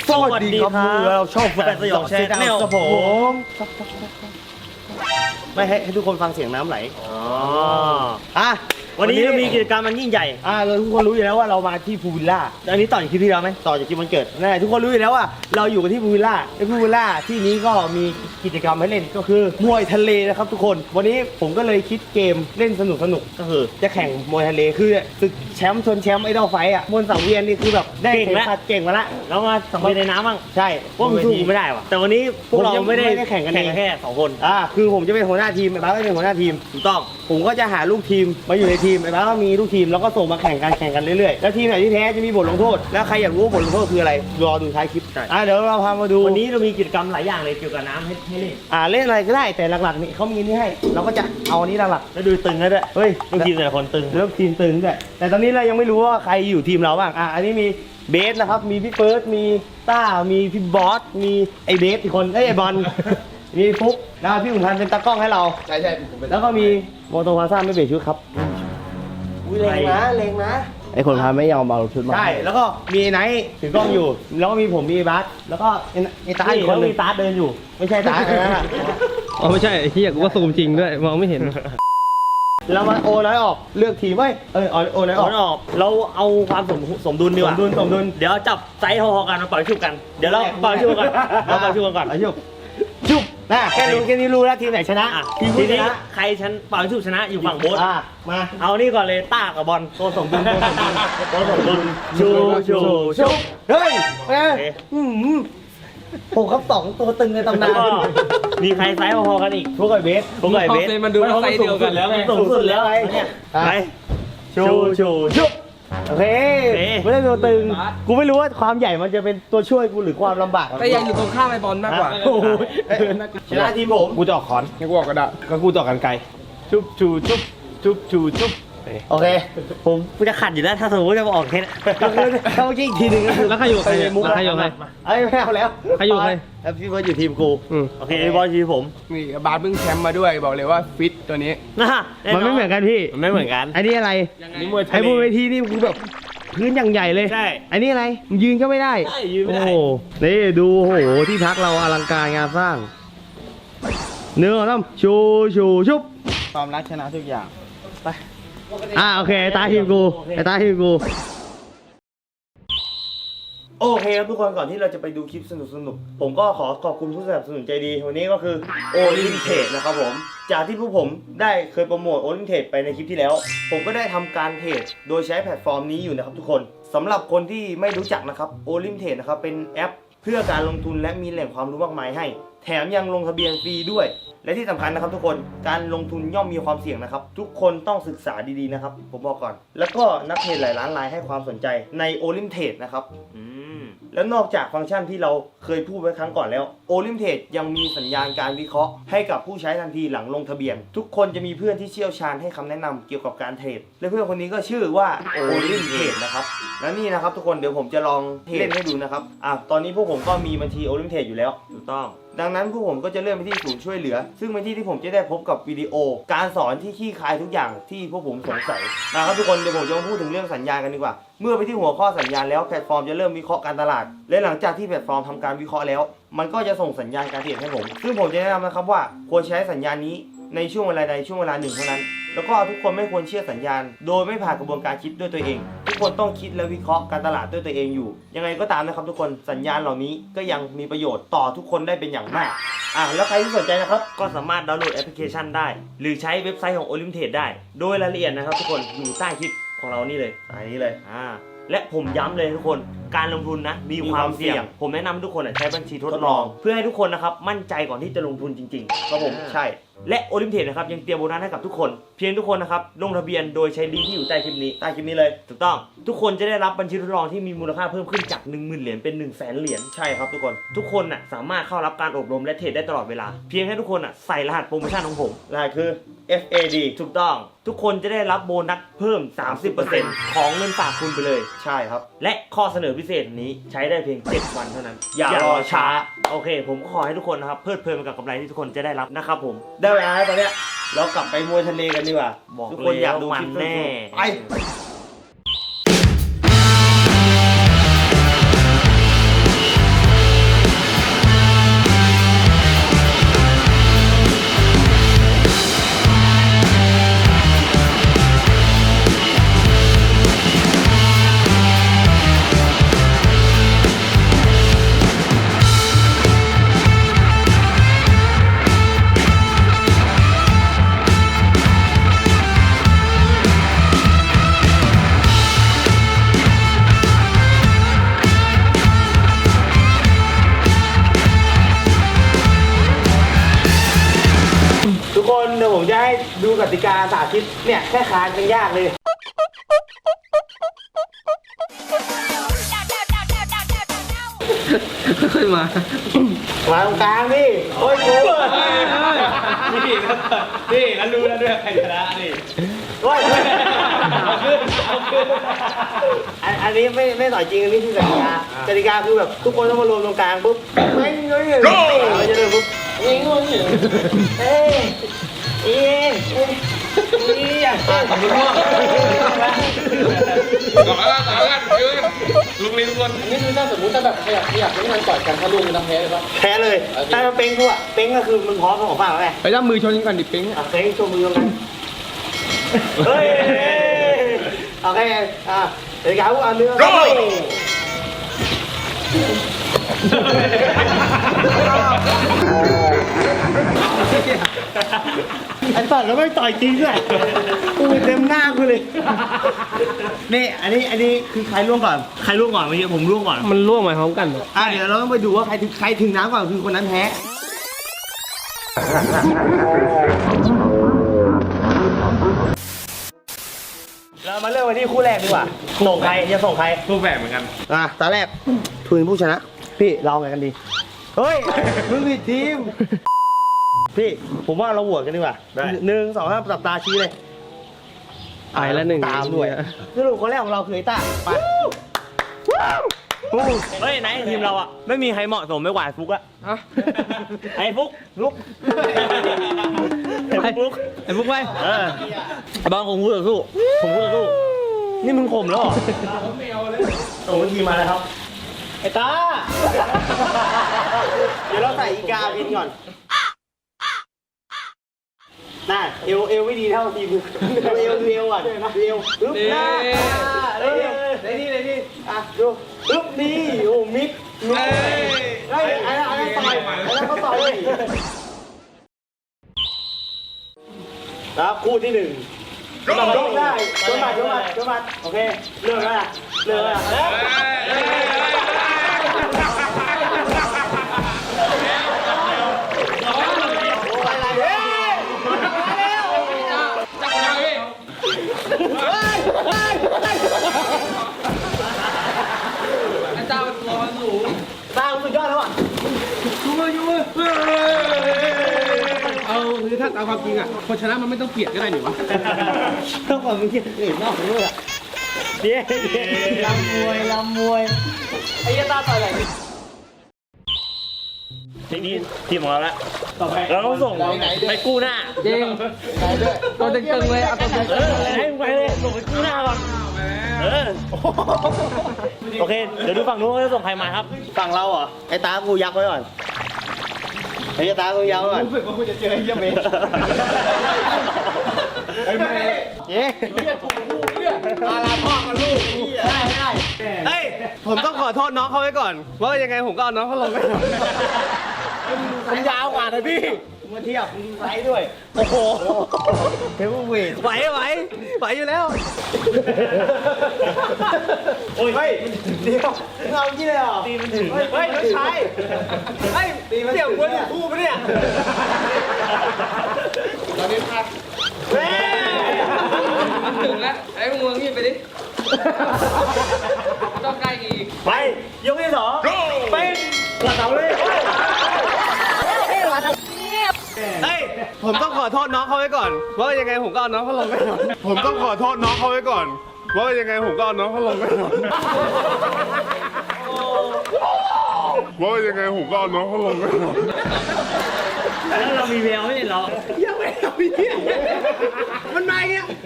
สวัสดีครับเราชอบแฟนสยองแชร์แนลครับผมไม่ให้ทุกคนฟังเสียงน้ำไหลวันนี้มีกิจกรรมมันยิ่งใหญ่เราทุกคนรู้อยู่แล้วว่าเรามาที่พูลวิลล่าอันนี้ต่อจากคลิปที่แล้วไหมต่อจากคลิปวันเกิดนั่นแหละทุกคนรู้อยู่แล้วว่าเราอยู่กันที่พูลวิลล่าในพูลวิลล่าที่นี้ก็มีกิจกรรมให้เล่นก็คือมวยทะเลนะครับทุกคนวันนี้ผมก็เลยคิดเกมเล่นสนุกก็คือจะแข่งมวยทะเลคือศึกแชมป์ชนแชมป์ไอดอลไฟท์บนสังเวียนนี่คือแบบได้เก่งมาละแล้วมาสังเวียนในน้ำบ้างใช่ว่ามันสู้ไม่ได้ว่ะแต่วันนี้พวกเราไม่ได้แข่งกันแค่2คนคือผมจะเป็นหัวหน้าทีมไอ้บ้าก็เป็นหัวหน้าทีมถูกต้องผมก็จะหาลูกทีมมาอยู่ในทีมไอ้บ้าก็มีลูกทีมแล้วก็ส่งมาแข่งกันเรื่อยๆแล้วทีมไหนที่แพ้จะมีบทลงโทษแล้วใครอยากรู้ว่าบทลงโทษคืออะไรรอดูท้ายคลิปเดี๋ยวเราพามาดูวันนี้เรามีกิจกรรมหลายอย่างเลยเกี่ยวกับน้ำให้เล่นเล่นอะไรก็ได้แต่หลักๆนี่เขามีนี่ให้เราก็จะเอานี้หลักๆแล้วดูตึงแล้วด้วยเฮ้ยลูกทีมแต่ละคนตึงแล้วทีมตึงด้วยแต่ตอนนี้เรายังไม่รู้ว่าใครอยู่ทีมเราบ้างอันนี้มีเบสนะครับมีพี่เฟิร์สมีต้ามีพี่บอสมีไอเบสอีกคนไอบอลมีฟุกแล้วพี่ขุนพันธ์เป็นตากล้องให้เราใช่ผมเป็นแล้วก็มีโมโตพาซ่าไม่เปลี่ยนชุดครับเลงนะไอคนพาไม่ยอมเอาชุดมาใช่แล้วก็มีไนท์ถือกล้องอยู่แล้วก็มีผมมีบัสแล้วก็ไอตาอีกคนมีตาเดินอยู่ไม่ใช่ตานะอ๋อไม่ใช่ไอ้ที่อยากว่าซูมจริงด้วยมองไม่เห็นเรามาโอน้อยออกเลือกทีมโอน้อยออกเราเอาความสมดุลดีกว่าสมดุลเดี๋ยวจับไซส์พอๆกันมาปล่อยชุบกันเดี๋ยวเราปล่อยชุบกันชุบนะแค่นี้รู้แล้วทีมไหนชนะทีนี้ใครปล่อยชุบชนะอยู่ฝั่งโบ๊ทมาเอานี่ก่อนเลยต้ากับบอลตัวสมดุลชูเฮ้ยผมครับ2ตัวตึงในตำนานมีใครไซส์พอๆกันอีกพวกไอเบสมันดูไซส์เดียวกันแล้วไงสูงสุดแล้วไงไปชูโอเคไม่ได้ตัวตึงกูไม่รู้ว่าความใหญ่มันจะเป็นตัวช่วยกูหรือความลำบากแต่ยังอยู่ตรงข้ามไอบอลมากกว่าชนะทีมผมกูจะออกขอนกูออกกระดาษก็กูจะออกกันไกลชุบโอเคผมจะขัดอยู่แล้วถ้าสมมติจะมาออกแค่ถ้าเมื่อกี้อีกทีนึงแล้วใครอยู่ใครไม่เอาแล้วใครอยู่ใครพี่เบิร์ดอยู่ทีมกูโอเคบอลทีมผมนี่บาสเพิ่งแชมป์มาด้วยบอกเลยว่าฟิตตัวนี้มันไม่เหมือนกันพี่มันไม่เหมือนกันอันนี้อะไรไอ้บนเวทีนี่กูแบบพื้นอย่างใหญ่เลยใช่อันนี้อะไรยืนก็ไม่ได้ยืนไม่ได้โอ้นี่ดูโอ้โหที่พักเราอลังการงานสร้างเนื้อน้ำชุบความรักชนะทุกอย่างไปโอเคตาทีมกูโอเคครับทุกคนก่อนที่เราจะไปดูคลิปสนุกผมก็ขอบคุณผู้สนับสนุนใจดีวันนี้ก็คือโอลิมเทรดนะครับผมจากที่พวกผมได้เคยโปรโมทโอลิมเทรดไปในคลิปที่แล้วผมก็ได้ทำการเทรดโดยใช้แพลตฟอร์มนี้อยู่นะครับทุกคนสำหรับคนที่ไม่รู้จักนะครับโอลิมเทรดนะครับเป็นแอปเพื่อการลงทุนและมีแหล่งความรู้มากมายให้แถมยังลงทะเบียนฟรีด้วยและที่สำคัญนะครับทุกคนการลงทุนย่อมมีความเสี่ยงนะครับทุกคนต้องศึกษาดีๆนะครับผมบอกก่อนแล้วก็นักเทรดหลายล้านรายให้ความสนใจในโอลิมเทรดนะครับแล้วนอกจากฟังก์ชันที่เราเคยพูดไว้ครั้งก่อนแล้วโอลิมเทรดยังมีสัญญาณการวิเคราะห์ให้กับผู้ใช้ทันทีหลังลงทะเบียนทุกคนจะมีเพื่อนที่เชี่ยวชาญให้คำแนะนำเกี่ยวกับการเทรดและเพื่อนคนนี้ก็ชื่อว่าโอลิมเทรดนะครับและนี่นะครับทุกคนเดี๋ยวผมจะลองเล่นให้ดูนะครับตอนนี้พวกผมก็มีบัญชีโอลิมเทรดอยู่แล้วถูกต้องดังนั้นพวกผมก็จะเลื่อนไปที่ศูนย์ช่วยเหลือซึ่งเป็นที่ผมจะได้พบกับวิดีโอการสอนที่คลี่คลายทุกอย่างที่พวกผมสงสัยนะครับทุกคนเดี๋ยวผมจะมาพูดถึงเรื่องสัญญาณกันดีกว่าเมื่อไปที่หัวข้อสัญญาณแล้วแพลตฟอร์มจะเริ่มวิเคราะห์การตลาดและหลังจากที่แพลตฟอร์มทำการวิเคราะห์แล้วมันก็จะส่งสัญญาณการเทรดให้ผมซึ่งผมจะแนะนำนะครับว่าควรใช้สัญญาณนี้ในช่วงเวลาใดช่วงเวลาหนึ่งเท่านั้นแล้วก็ทุกคนไม่ควรเชื่อสัญญาณโดยไม่ผ่านกระบวนการคิดด้วยตัวเองทุกคนต้องคิดและวิเคราะห์การตลาดด้วยตัวเองอยู่ยังไงก็ตามนะครับทุกคนสัญญาณเหล่านี้ก็ยังมีประโยชน์ต่อทุกคนได้เป็นอย่างมากแล้วใครที่สนใจนะครับก็สามารถดาวน์โหลดแอปพลิเคชันได้หรือใช้เว็บไซต์ของโอลิมเทรดได้โดยรายละเอียดนะครับทุกคนอยู่ใต้คลิปของเรานี่เลยนี้เลยและผมย้ำเลยทุกคนการลงทุนนะมีความเสี่ยงผมแนะนำทุกคนใช้บัญชีทดลองเพื่อให้ทุกคนนะครับมั่นใจก่อนที่จะลงทุนจริงๆครับผมใช่และโอลิมเทรดนะครับยังเตรียมโบนัสให้กับทุกคนเพียงทุกคนนะครับลงทะเบียนโดยใช้ลิงก์ที่อยู่ใต้คลิปนี้เลยถูกต้องทุกคนจะได้รับบัญชีทดลองที่มีมูลค่าเพิ่มขึ้นจาก 10,000 เหรียญเป็น 100,000 เหรียญใช่ครับทุกคนสามารถเข้ารับการอบรมและเทรดได้ตลอดเวลาเพียงให้ทุกคนใส่รหัสโปรโมชั่นของผมรหัสคือ FAD ถูกต้องทุกคนจะได้รับโบนัสเพิ่ม 30% ของเงินฝากคุณไปเลยใช่ครับและข้อเสนอพิเศษนี้ใช้ได้เพียง7 วันเท่านั้นอย่ารอช้าโอเคผมขอให้ทุกคนนะครับเพลิดเพลินกับกำไรที่ทุกคนจะได้รับนะครับผมได้เวลาแล้วตอนเนี้ยเรากลับไปมวยทะเลกันดีกว่าทุกคนอยากดูคลิปแน่ไปโผมจะให้ดูกติกาสาธิตเนี่ยแค่คานยังยากเลยค่อยมามาตรงกลางดิโอ้ยกูนี่แล้วรู้แล้วด้วยใครชนะนี่โอ้ยอันนี้ไม่ต่อยจริงอันนี้คือกติกากติกาคือแบบทุกคนต้องมารวมตรงกลางปุ๊บไม่เงี้ยเราจะเดินปุ๊บเอ้ยงงอยู่เอ้ยเอ้ยอยากต่อยง่วงต่อแล้วยืนลุงลีทุกคนอันนี้คือถ้าสมมติถ้าแบบขยับไม่ทันต่อยกันถ้าลูกมันทำแพ้เลยปะแพ้เลยถ้าเป้งกูอะเป้งก็คือมึงพร้อมของฝั่งแล้วไงไปจับมือชนกันก่อนดิปิ๊งเป้งโชว์มือกันเฮ้ยโอเคเดี๋ยวเขาเอาเนื้อไอ้สัตว์แล้วไม่ต่อยจริงด้วยกูเต็มหน้ากูเลยนี่อันนี้คือใครล่วงก่อนใครล่วงก่อนเมื่อกี้ผมล่วงก่อนมันร่วงมาพร้อมกันเดี๋ยวเราต้องไปดูว่าใครถึงน้ำก่อนคือคนนั้นแพ้เรามาเริ่มกันที่คู่แรกดีกว่าส่งใครจะส่งใครรูปแบบเหมือนกันตาแรกทุนผู้ชนะ พี่เราไงกันดีเฮ้ยมึงผิดทีมพี่ผมว่าเราโหวตกันดีกว่า1 2 3จับตาชี้เลยไอ้ละหนึ่งตามด้วยสรุปคนแรกของเราคือไอ้ต้าไปเฮ้ยไหนทีมเราอ่ะไม่มีใครเหมาะสมไม่กว่าฟุกอะไอ้ฟุกลุกไอ้ฟุกไอ้พวกไปไอ้บอลผมพูดต่อสู้ผมพูดต่อสู้นี่มึงข่มแล้วเหรอส่งทีมมาเลยครับไอ้ต้าเดี๋ยวเราใส่อีกาบินก่อนน่าเอวไม่ดีเท่าทีมเอวก่อนเอวปึ๊บหน้าเลยนี่ดูปึ๊บนี่โอ้มิกลุกไอ้ต่อยเขาต่อยแล้วคู่ที่1ยกได้ยกมาโอเคเริ่มแล้วเจ้าตัวมันสูงตาสุดยอดแล้วอ่ะยูมือเอาคือถ้าตามความจริงอ่ะคนชนะมันไม่ต้องเปลี่ยนก็ได้หนิวะต้องบอกมึงคิดอื่นนอกของมึงอ่ะเดี๋ยวลำมวยไอ้ยาตาต่อยอะไรทีมของเราละเราต้องส่งไปกู้หน้าจริงตัวตึงๆเลยเอาตัวตึงให้มึงไปเลยส่งไปกู้หน้าก่อนโอเคเดี๋ยวดูฝั่งนู้นว่าจะส่งใครมาครับฝั่งเราเหรอไอ้ตากูยักไว้ก่อนไอ้ตากูยักไว้ก่อนรู้สึกว่าคุณจะเจอไอ้เหี้ยเมย์ไอ้เมย์เย้อาลาพ่อกับลูกได้เฮ้ยผมต้องขอโทษน้องเขาไว้ก่อนว่ายังไงผมก็เอาน้องเขาลงไปมันยาวกว่านะพี่มาเทียบไซส์ด้วยโอ้โหเทเบิลเวทไหวอยู่แล้วโอ้ยเฮ้ยเดี๋ยวเราที่เลยเหรอตีมันถึงเฮ้ยไม่ใช่เฮ้ยตีมันเสี่ยวคนคู่ปะเนี่ยตอนนี้พักเฮ้ยถึงแล้วไอ้มึงงี้ไปดิต้องใกล้อีกไปยกที่2ไปหลังเสาเลยเฮ้ยผมต้องขอโทษน้องเขาไว้ก่อนว่ายังไงผมก็เอาน้องเขาลงไปก่อนผมต้องขอโทษน้องเขาไว้ก่อนว่ายังไงผมก็เอาน้องเขาลงไปก่อนว่ายังไงผมก็เอาน้องเขาลงไปก่อนแล้วเรามีแววไม่ใช่เหรอยังไม่เอาพี่มันมาอย่างเงี้ย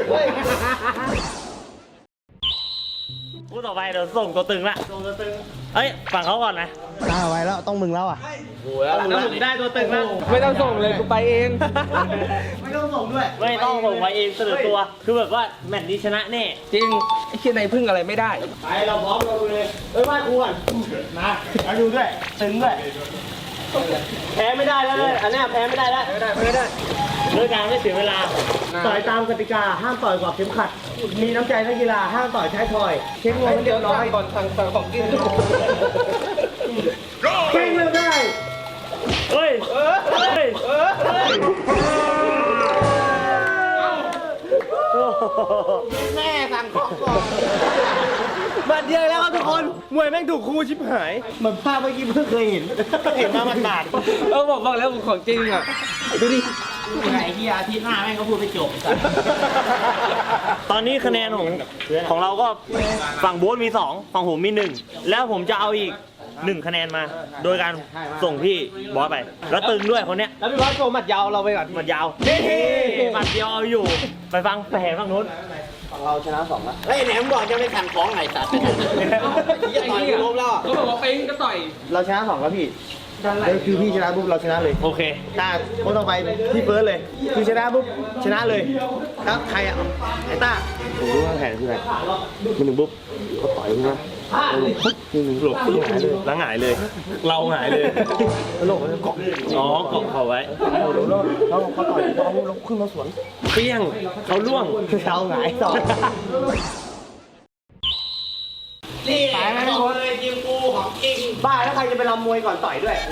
คู่ต่อไปเดี๋ยวส่งตัวตึงละเฮ้ยฝั่งเขาก่อนนะตาไว้แล้วต้องมึงแล้วอ่ะถ้าผมได้ตัวตึงแล้วไม่ต้องส่งเลยกูไปเองไม่ต้องส่งด้วยไม่ต้องส่งไปเองเสนอตัวคือแบบว่าแมตช์นี้ชนะแน่จริงไอ้เชี่ยในพึ่งอะไรไม่ได้ไปเราพร้อมเราเลยเอ้ยมาครูก่อนมาเอาดูด้วยตึงด้วยแพ้ไม่ได้แล้วอันนี้แพ้ไม่ได้แล้วไม่ได้เรื่องการไม่เสียเวลาต่อยตามกติกาห้ามต่อยกว่าเข็มขัดมีน้ำใจนักกีฬาห้ามต่อยท้ายทอยเช็คงวงเรียบร้อยก่อนสั่งของกินเก่งเลยได้เฮ้ยคนมวยแม่งถูกครูชิบหายเหมือนภาพเมื่อกี้เพิ่งเคยเห็นมาหมาดบอกแล้วของจริงอ่ะดูดิไอ้ที่อาทิตย์หน้าแม่งก็พูดไปจบตอนนี้คะแนนของเราก็ฝั่งโบ๊ทมี2ฝั่งผมมี1แล้วผมจะเอาอีก1คะแนนมา โดยการส่งพี่บอสไป แล้วตึงด้วยคนเนี้ยแล้วพี่บอสโชว์หมัดยาวเราไปก่อนหมัดยาวหมัดเดียวเอาอยู่ ไปฟังแผนฝั่งนู้นเราชนะ2แล้วเฮ้ยแหนมบอกจะไม่ขันของไงสัตว์ยี่ต่อยล้มแล้วก็บอกว่าปิ๊งก็ต่อยเราชนะ2แล้วพี่คือพี่ชนะปุ๊บเราชนะเลยโอเคต้าคนต่อไปพี่เฟิร์สเลยคือชนะปุ๊บชนะเลยแล้วใครอ่ะไอ้ต้าผมรู้ว่าแผนคืออะไรมันหนึ่งปุ๊บก็ต่อยขึ้นมาหลบหงายเลยแล้วหงายเลย เราหงายเลยแล้วหลบเกาะอ๋อเกาะเขาไว้แล้วเขาต่อยเราขึ้นมาสวนเปี้ยงเขาล่วงเราหงายต่อนี่ของเลยจริงกูของจริงบ้าแล้วใครจะไปรำมวยก่อนต่อยด้วย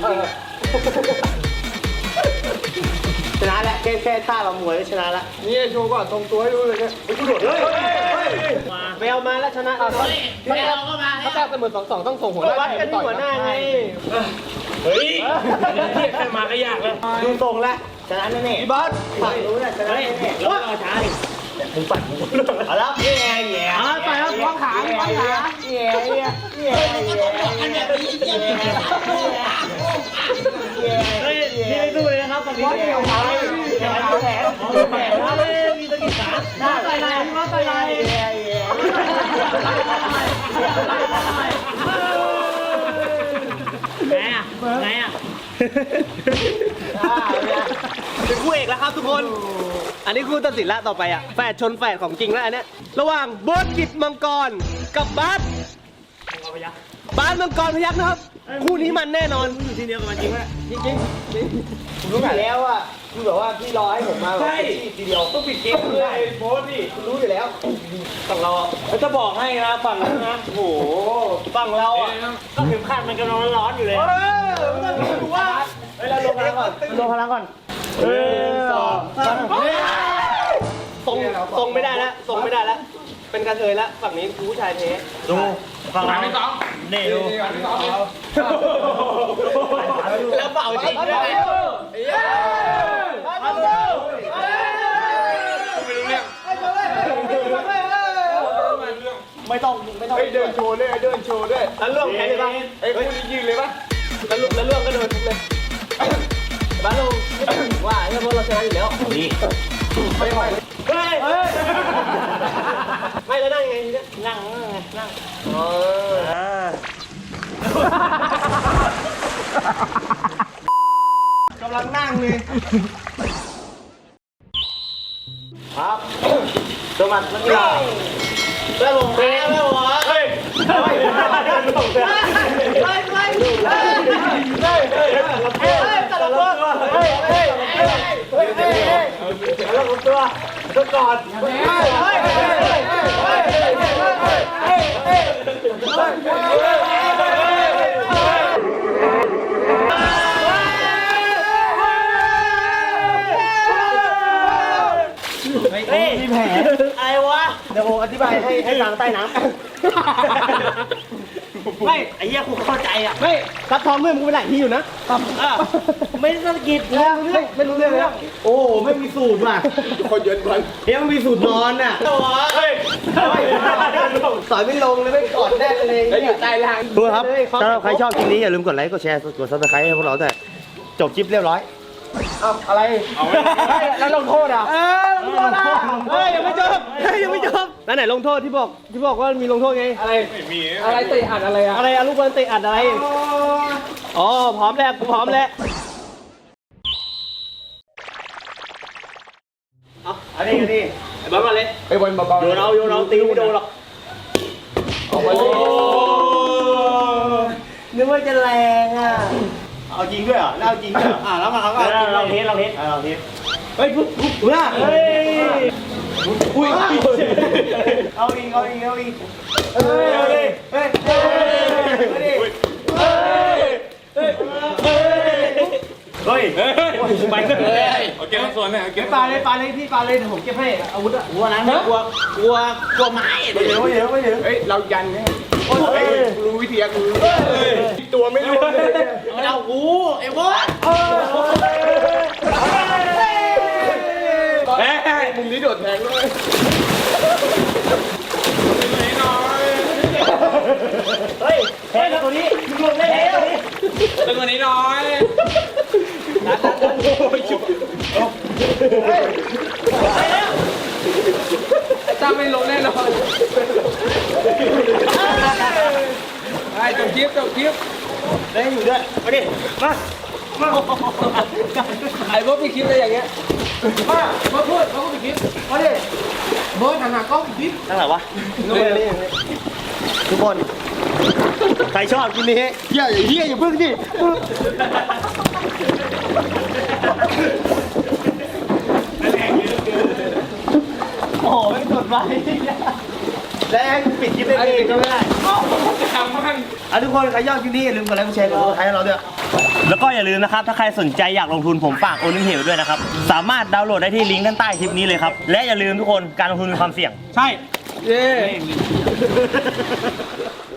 ชนะแล้วแค่ท่ารำมวยก็ชนะแล้วนี่โชว์ก่อนตรงตัวให้ดูเลยเนี่ยกูโดดเลยไปเอามาแล้วชนะไม่เราก็มาแล้วถ้าแต้มเสมอ2-2ต้องส่งหัวหน้าวัดกันที่หัวหน้าไงเฮ้ยเทียบกันมาก็ยากแล้วดูทรงแล้วชนะแน่ๆพี่บอสฝั่งนู้นชนะแน่ๆแล้วเราช้าดิมึงปั่นมึงเอาแล้วแย่แย่เอาไปแล้วคล้องขาคล้องขาแย่แย่แย่เฮ้ยนี่ไม่สู้เลยนะครับฝั่งนี้แย่แผลมีตะกี้ขาได้ไปไหนมาไปไหนแย่แย่ไงอ่ะเป็นคู่เอกแล้วครับทุกคนอันนี้คู่ตัดสินละต่อไปอ่ะแฝดชนแฝดของจริงแล้วอันเนี้ยระหว่างโบ๊ทกิจมังกรกับบาสมังกรพยัคฆ์นะครับคู่นี้มันแน่นอนอยู่ที่เดียวกับมันจริงไหมจริงผมรู้อยู่แล้วว่าคือแบบว่าพี่รอให้ผมมาแบบทีเดียวต้องปิดเกมเลยโพสดิรู้อยู่แล้วฝั่งเราจะบอกให้นะฝั่งเรานะโอ้โหฝั่งเราอ่ะก็เข็มขัดมันกำลังร้อนอยู่เลยดูว่าเราลงพลังก่อนลงพลังก่อนทรงไม่ได้แล้วทรงไม่ได้แล้วเป็นกระเทยแล้วฝั่งนี้ผู้ชายเทดูฝั่งเราเนี่ยดูแล้วเป่าจริงด้วย ไม่ต้องเดินโชว์ด้วยแล้วเรื่องแพ้เลยป่ะไอ้คู่นี้ยืนเลยป่ะแล้วเรื่องก็เดินเลยบ้านเราว่าเนี่ยเพราะเราชนะอยู่แล้วนี่ไม่ไหวไม่แล้วนั่งไงทีเนี้ยนั่งกำลังนั่งเลยครับสวัสดีครับแล้วลงแพ้แล้ววะเฮ้ยมีแผลอะไรวะเดี๋ยวผมอธิบายให้ฟังใต้น้ำไม่ไอ้เหี้ยกูเข้าใจอ่ะไม่ซับท้องเรื่องมึงไปไหนที่อยู่นะไม่สะกิดเลยไม่รู้เรื่องเลยโอ้ไม่มีสูตรว่ะคนเยินก่อนเดี๋ยวมันมีสูตรนอนอ่ะเฮ้ยสอยไม่ลงเลยไม่กอดแน่เลยแล้วอยู่ใต้ล่างทุกคนครับถ้าใครชอบคลิปนี้อย่าลืมกดไลค์กดแชร์กดซับสไครต์ให้พวกเราแต่จบคลิปเรียบร้อยอะไรแล้วลงโทษอ่ะลงโทษอ่ะยังไม่จบแล้วไหนลงโทษที่บอกว่ามีลงโทษไงอะไรไม่มีอะไรเตะอัดอะไรอะอะไรอะลูกบอลเตะอัดอะไรอ๋อพร้อมแล้วกูพร้อมแล้วอันนี้ไอ้บอลมาเลยไอ้บอลเบาๆโยนเอาตีไม่โดนหรอก นึกว่าจะแรงอ่ะเอาจริงด้วยเหรอเอาจริงด้วยเหรอแล้วมาเขาก็เราเทสเฮ้ยปุ๊บเฮ้ยอุ้ยเอาอีกเฮ้ยไปเลยโอเคส่วนเนี่ยเก็บปลาเลยพี่ปลาเลยเดี๋ยวผมเก็บให้อาวุธอะกลัวนั้นกลัวไม้ไม่เดี๋ยวเฮ้ยเรายันไงโอ้ยรู้วิธีกูตัวไม่รู้เลยเอากูไอ้บอสมุมนี้โดดแทงด้วยเฮ้ยแพ้ตัวนี้รวมได้แล้วนี่ตึงกว่านี้หน่อยจ้าไม่ลงแน่นอนไอ้จบคลิปได้อยู่ด้วยมาดิมาไอ้พวกพี่คลิปอะไรอย่างเงี้ยมาพูดไปคลิปมาดิเบิร์ดหันหน้ากล้องคลิปตั้งไหนวะทุกคนใครชอบกินนี้อย่าพึ่งดิโอ้โหไม่กดไว้แล้วปิดคลิปได้เองก็ไม่ได้ทำมันทุกคนใครยอดคลิปนี้อย่าลืมกดไลค์กดแชร์กดติดตามให้เราด้วยแล้วก็อย่าลืมนะครับถ้าใครสนใจอยากลงทุนผมฝากโอลิมเทด้วยนะครับสามารถดาวน์โหลดได้ที่ลิงก์ด้านใต้คลิปนี้เลยครับและอย่าลืมทุกคนการลงทุนมีความเสี่ยงใช่เย้